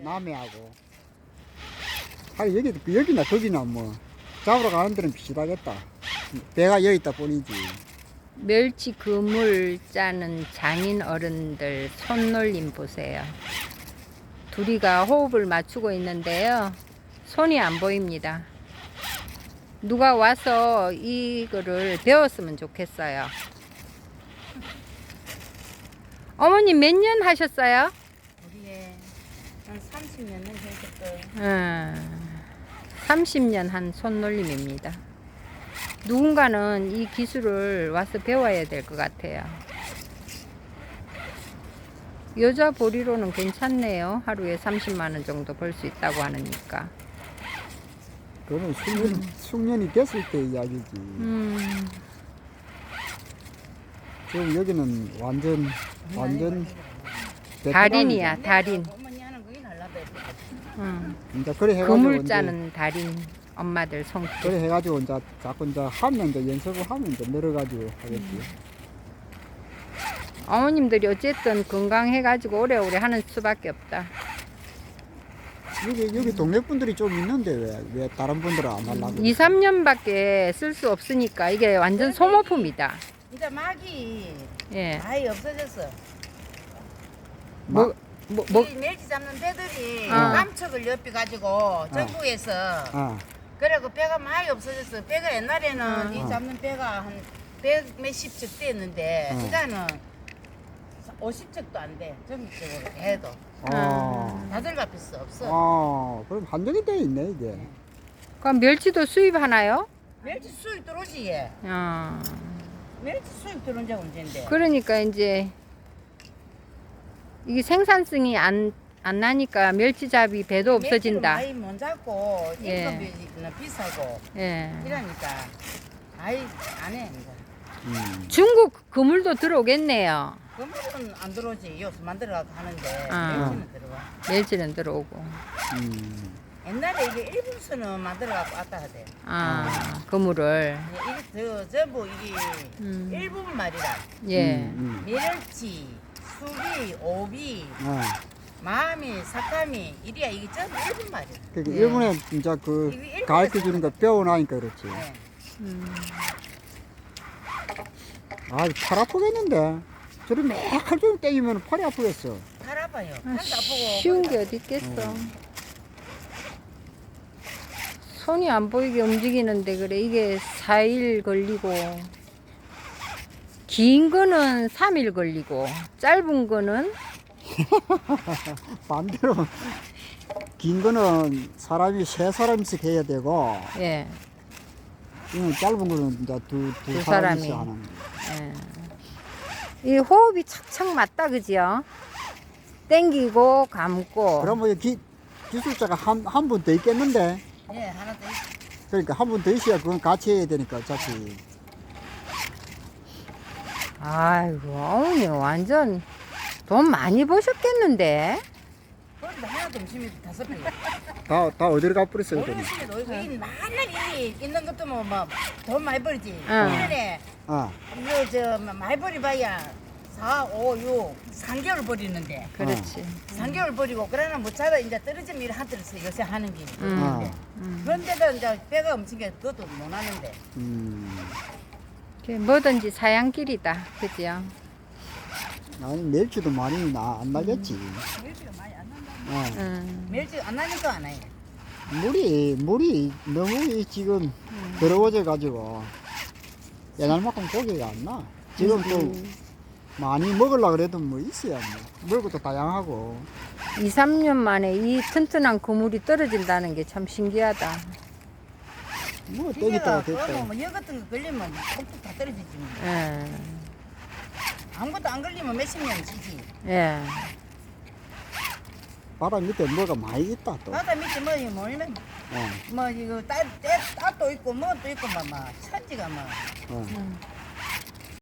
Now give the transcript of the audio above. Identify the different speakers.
Speaker 1: 남해하고. 하긴 여기나 거기나 뭐 잡으러 가는 데는 비슷하겠다. 배가 여기 있다 뿐이지.
Speaker 2: 멸치 그물 짜는 장인 어른들 손놀림 보세요. 둘이가 호흡을 맞추고 있는데요. 손이 안 보입니다. 누가 와서 이거를 배웠으면 좋겠어요. 어머님 몇 년 하셨어요?
Speaker 3: 우리의 한 30년은 했을
Speaker 2: 30년 한 손놀림입니다. 누군가는 이 기술을 와서 배워야 될 것 같아요. 여자 보리로는 괜찮네요. 하루에 30만 원 정도 벌 수 있다고 하니까.
Speaker 1: 그거는 숙련이 됐을 때 이야기지. 지금 여기는 완전
Speaker 2: 달인이야, 달인.
Speaker 3: 어머니 하는 거긴 하려고
Speaker 1: 이제 그래 해가지고
Speaker 2: 그물
Speaker 1: 이제
Speaker 2: 짜는 달인 엄마들 손길.
Speaker 1: 그래 해가지고 이제 자꾸 이제 하면 이제 연습을 하면 이제 늘어가지고 하겠지.
Speaker 2: 어머님들이 어쨌든 건강해가지고 오래오래 하는 수밖에 없다.
Speaker 1: 여기 동네 분들이 좀 있는데 왜 다른 분들은 안 하려고?
Speaker 2: 2, 3년밖에 쓸 수 없으니까 이게 완전 소모품이다.
Speaker 3: 이제 막이
Speaker 2: 예.
Speaker 3: 아예 없어졌어.
Speaker 2: 뭐,
Speaker 3: 이 멸치 잡는 데들이
Speaker 2: 아.
Speaker 3: 남척을 옆에 가지고 전국에서
Speaker 1: 아,
Speaker 3: 그래고 배가 많이 없어졌어. 배가 옛날에는
Speaker 2: 아.
Speaker 3: 이 잡는 배가 한 100 몇십 척 됐는데 이제는 50척도 안 돼. 전국적으로 해도 다들 갚았어 없어.
Speaker 1: 그럼 한정이 돼 있네 이게.
Speaker 2: 그럼 멸치도 수입하나요?
Speaker 3: 멸치 수입 들어오지 얘. 멸치 수입 들어온 적 언젠데.
Speaker 2: 그러니까 이제 이게 생산성이 안 나니까 멸치잡이 배도 없어진다.
Speaker 3: 많이 못 잡고
Speaker 2: 예.
Speaker 3: 인건비는 비싸고
Speaker 2: 예.
Speaker 3: 이러니까 아이 안해 이제.
Speaker 2: 중국 그물도 들어오겠네요.
Speaker 3: 그물은 안 들어오지. 요새 만들어가고 하는데
Speaker 2: 아.
Speaker 3: 멸치는 들어와.
Speaker 2: 멸치는 들어오고.
Speaker 3: 옛날에 이게 일본서는 만들어갖고 왔다 하대.
Speaker 2: 그물을.
Speaker 3: 이게 전부 이게 일본 말이라.
Speaker 2: 예.
Speaker 3: 멸치, 수비, 오비, 마미, 사카미 이리야 이게 전부 일본 말이야.
Speaker 1: 그러니까
Speaker 2: 예.
Speaker 1: 일본에 진짜 그
Speaker 3: 이게 일본에서
Speaker 1: 가르쳐 주는 거 배워나니까 그렇지.
Speaker 3: 네.
Speaker 1: 팔 아프겠는데. 저리 매칼 좀 땡기면 팔이 아프겠어.
Speaker 3: 팔 아파요. 팔도 아프고.
Speaker 2: 쉬운 게 어디 있겠어. 손이 안 보이게 움직이는데 그래 이게 4일 걸리고 긴 거는 3일 걸리고 짧은 거는
Speaker 1: 반대로 긴 거는 사람이 세 사람씩 해야 되고
Speaker 2: 예.
Speaker 1: 이건 짧은 거는 이제 두
Speaker 2: 두
Speaker 1: 사람이서
Speaker 2: 사람이.
Speaker 1: 하는 거.
Speaker 2: 예. 이 호흡이 착착 맞다 그지요? 땡기고 감고.
Speaker 1: 그러면 기술자가 한 분 더 있겠는데.
Speaker 3: 예, 하나 더 있어.
Speaker 1: 그러니까 한 분 더 있어야 그건 같이 해야 되니까 어차피.
Speaker 2: 아이고 어머니 완전 돈 많이 버셨겠는데?
Speaker 3: 그런데 하나 더 음식이 5배.
Speaker 1: 다 어디로 가버렸어요
Speaker 3: 우리
Speaker 1: 돈이.
Speaker 3: 음식이 놀고 이 맨날 일이 있는 것도 뭐돈 많이 벌지.
Speaker 2: 응.
Speaker 3: 1년에 이거 저 많이 벌이봐야 4, 5, 6, 3개월 버리는데.
Speaker 2: 그렇지.
Speaker 3: 3개월 버리고 그러나 못 찾아 이제 떨어지면 일 하더라서 요새 하는 게. 그런데도 이제 배가 엄청 게 그것도 못 하는데.
Speaker 2: 뭐든지 사양길이다 그지요?
Speaker 1: 아니 멸치도 많이 안 나겠지.
Speaker 3: 멸치가 많이 안 난다. 멸치 안 나니까 안 해.
Speaker 1: 물이 너무 지금 더러워져 가지고 옛날만큼 고기가 안 나. 지금 또 많이 먹으려고 그래도 뭐 있어야 뭐 먹을 것도 다양하고.
Speaker 2: 2, 3년 만에 이 튼튼한 그물이 떨어진다는 게 참 신기하다.
Speaker 1: 뭐
Speaker 3: 기계가
Speaker 1: 땡겼다가 됐다.
Speaker 3: 뭐여 같은 거 걸리면 톡톡 다 떨어지지 뭐.
Speaker 2: 예.
Speaker 3: 아무것도 안 걸리면 몇십 년 지지.
Speaker 2: 예.
Speaker 1: 바다 밑에 뭐가 많이 있다 또.
Speaker 3: 바다 밑에 뭐 이거 몰면 뭐 이거 따도 있고 뭐도 있고 막 천지가 뭐.
Speaker 1: 어.